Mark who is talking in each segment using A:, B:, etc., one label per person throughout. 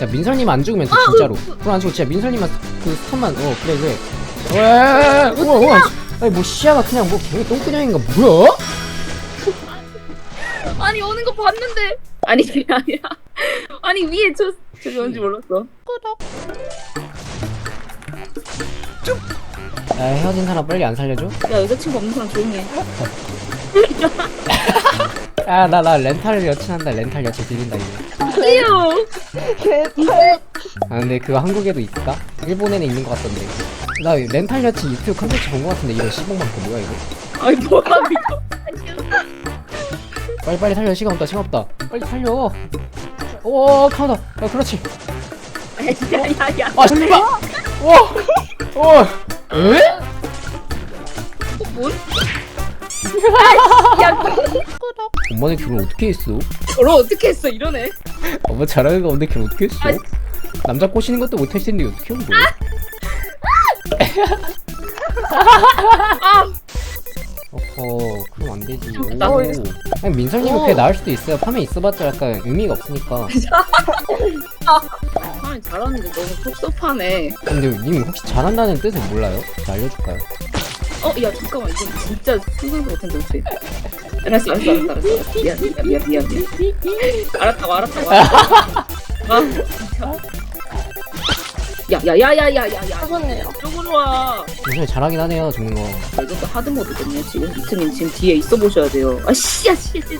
A: 자 민설님 안 죽으면 돼 진짜로. 그럼 안 죽어 진짜 민설님만 그 스턴만 그래 그래. 우와 아니 뭐 시야가 그냥 뭐 개미 똥그냥인가 뭐야?
B: 아니 오는 거 봤는데. 아니 그게 아니라. 아니 위에 저기 뭔지 몰랐어.
A: 야 헤어진 사람 빨리 안 살려줘?
B: 야 여자친구 없는 사람 조용히 해.
A: 나 렌탈 여친 한다. 렌탈 여친 빌린다 이거.
B: 이유.
C: 개빨.
A: 아 근데 그거 한국에도 있을까? 일본에는 있는 것 같던데. 나 렌탈 여친 유튜브 컨텐츠 본 것 같은데 이거 시봉만큼 뭐야 이거?
B: 아니 뭐야 이거.
A: 빨리 살려. 시간 없다 시간 없다. 빨리 살려. 오 카운터. 그렇지.
B: 야야야.
A: 아 잠깐만. 와. 에?
B: 뭔? 야
A: 엄마는 결혼 어떻게 했어?
B: 결혼 어떻게 했어 이러네.
A: 엄마 잘하는 거 없는데 결혼 어떻게 했어?
B: 아이.
A: 남자 꼬시는 것도 못할 텐데 어떻게 한 거야?
B: 아
A: 어허 그럼 안 되지.
B: 나
A: 오.
B: 왜-
A: 아니 민설님은 그게 나을 수도 있어요. 파면 있어봤자 약간 의미가 없으니까.
B: 사람이 잘하는데 너무 섭섭하네.
A: 근데 님 혹시 잘한다는 뜻을 몰라요? 제가 알려줄까요?
B: 야 잠깐만 이건 진짜 상상도 못한 정체. 알았어. 미안. 알았다고. 아 진짜. 야야야야야야야.
C: 하셨네요.
B: 이쪽으로 와.
A: 민설이 잘하긴 하네요 죽는 거.
B: 이것도 하드 모드거든요. 지금 이트님 지금 뒤에 있어 보셔야 돼요. 아 씨야.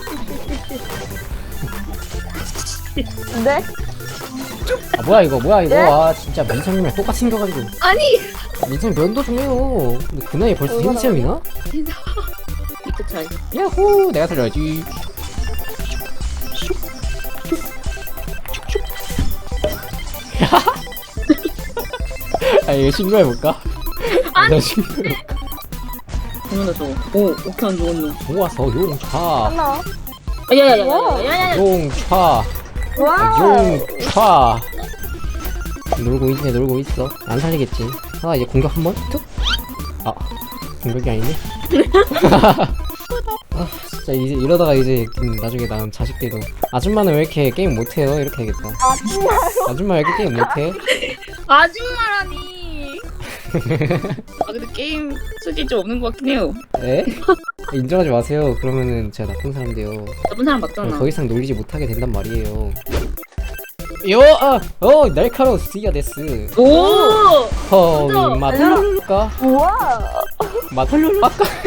C: 네?
A: 아 뭐야 이거 아 진짜 민설님이랑 똑같이 생겨가지고.
B: 아니.
A: 민설님 면도 좀 해요. 근데 그 나이에 벌써 생체형이나?
B: 이트 차이.
A: 야호 내가 살려야지. 아 이거 신고해볼까? 나 신고해.
B: 그러면 저거. 오 오케이 안 죽었네.
A: 좋아서 용차
C: 하나.
B: 야야야야야야야.
A: 용차
C: 와.
A: 용차 놀고 있어. 안 살리겠지. 이제 공격 한번 툭. 공격이 아니네. 진짜 이제 이러다가 이제 나중에 낳은 자식들도 아줌마는 왜 이렇게 게임 못해요? 이렇게 해야겠다. 아줌마 왜 이렇게 게임 못해?
B: 아줌마라니. 근데 게임 수준이 좀 없는 것 같긴 해요.
A: 에? 인정하지 마세요. 그러면은 제가 나쁜 사람 돼요.
B: 나쁜 사람 맞잖아.
A: 더 이상 놀리지 못하게 된단 말이에요. 날카로운 스티어 데스.
B: 오.
A: 맛볼까?
C: 우와.
A: 맛볼까?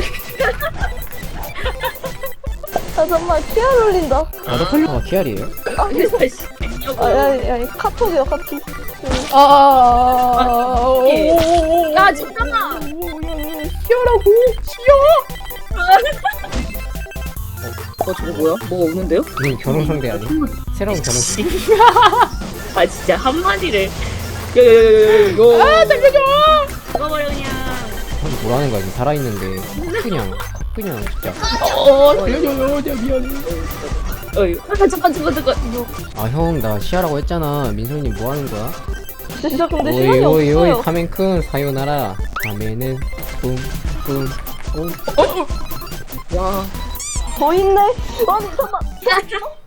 C: 아 정말 키아 놀린다.
A: 나도 컬러가 키알이에요?
C: 야 카톡이야 카톡.
B: 야 잠깐만.
A: 키알하고
B: 저거 뭐야? 뭐가 오는데요?
A: 님 결혼 상대 아니? 새로운 결혼 상대.
B: 아 진짜 한 마디를. 살려줘. 죽어버려 그냥.
A: 형이 뭐라는 거야 지금 살아있는데 그냥 진짜.
B: 미안해. 잠깐.
A: 형 나 시야라고 했잖아. 민솔님 뭐하는 거야?
C: 진짜 근데 시간이
A: 오이
C: 없어요.
A: 카멘큰 사요나라. 카멘은 뿜뿜.
B: 와.
C: 더 있네. 아니 잠깐만.